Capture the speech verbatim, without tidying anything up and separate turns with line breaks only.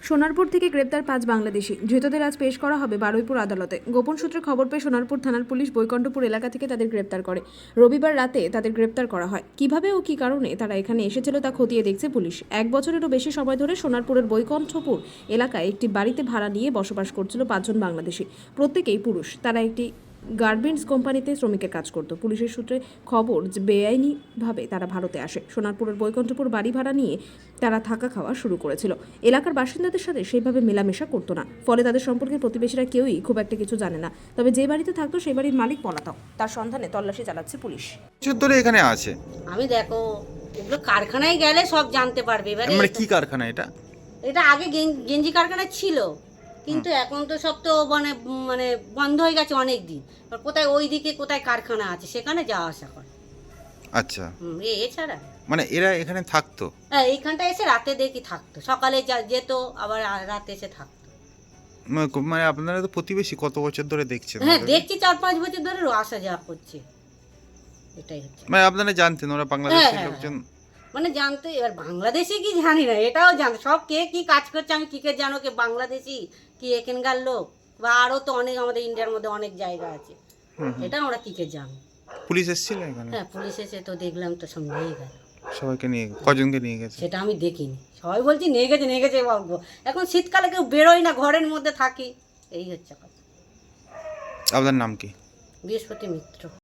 সোনারপুর থেকে গ্রেপ্তার পাঁচ বাংলাদেশি। ধৃতদের আজ পেশ করা হবে বারুইপুর আদালতে। গোপন সূত্রে খবর পেয়ে সোনারপুর থানার পুলিশ বৈকণ্ঠপুর এলাকা থেকে তাদের গ্রেপ্তার করে। রবিবার রাতে তাদের গ্রেপ্তার করা হয়। কিভাবে ও কী কারণে তারা এখানে এসেছিল তা খতিয়ে দেখছে পুলিশ। এক বছরেরও বেশি সময় ধরে সোনারপুরের বৈকণ্ঠপুর এলাকায় একটি বাড়িতে ভাড়া নিয়ে বসবাস করছিল পাঁচজন বাংলাদেশি। প্রত্যেকেই পুরুষ। তারা একটি গার্মেন্টস কোম্পানিতে শ্রমিকের কাজ করত। পুলিশের সূত্রে খবর যে বেআইনিভাবে তারা ভারতে আসে। সোনারপুরের বৈকণ্ঠপুর বাড়ি ভাড়া নিয়ে তারা থাকা খাওয়া শুরু করেছিল। এলাকার বাসিন্দাদের সাথে সেইভাবে মেলামেশা করতো না, ফলে তাদের সম্পর্কে প্রতিবেশীরা কেউই খুব একটা কিছু জানে না। তবে যে বাড়িতে থাকতো সেই বাড়ির মালিক পলাতক। তার সন্ধানে তল্লাশি চালাচ্ছে পুলিশ।
বছর ধরে এখানে আছে।
আমি দেখো এগুলো কারখানায় গেলে সব জানতে পারবে। এবারে
মানে কি কারখানা এটা?
এটা আগে গেন- গেঞ্জি কারখানা ছিল, কিন্তু এখন তো সব তো মানে মানে বন্ধ হয়ে গেছে অনেক দিন। এবার কোথায় ওই দিকে কোথায় কারখানা আছে সেখানে যাওয়া আসা করে।
আচ্ছা,
হুম, এ এছাড়া
মানে এরা এখানে থাকতো?
হ্যাঁ, এইখানটা এসে রাতে দেখি থাকতো, সকালে যা- যেত আবার আ- রাতে এসে থাকতো।
মানে- মানে আপনারা তো প্রতিবেশী, কত বছর ধরে দেখছেন
হ্যাঁ,
ওদেরকে?
দেখছি চার পাঁচ বছর ধরে আসা যাওয়া করছে, এটাই হচ্ছে।
মানে আপনারা জানতেন ওরা বাংলাদেশের
হ্যাঁ, হ্যাঁ,
লোকজন?
মানে জানতে, এবার বাংলাদেশি কি জানি না, এটাও জান সব কে কি কাজ করছে আমি কি কে জানো, কে বাংলাদেশি কি এখানকার লোক, বা আরও তো অনেক আমাদের ইন্ডিয়ার মধ্যে অনেক জায়গা আছে,
হুম, হুম।
এটা আমরা কি কে জানো।
পুলিশ এসেছিল এখানে?
হ্যাঁ, পুলিশ এসে তো দেখলাম তো সব নিয়ে গেল।
সবাইকে নিয়ে কজনকে নিয়ে গেছে?
সেটা আমি দেখিনি, সবাই বলছি নিয়ে গেছে নিয়ে গেছে বাবু। এখন শীতকালে কেউ বেরোয় না, ঘরের মধ্যে থাকি, এই হচ্ছে কথা।
আপনার নাম কি?
বৃহস্পতি মিত্র।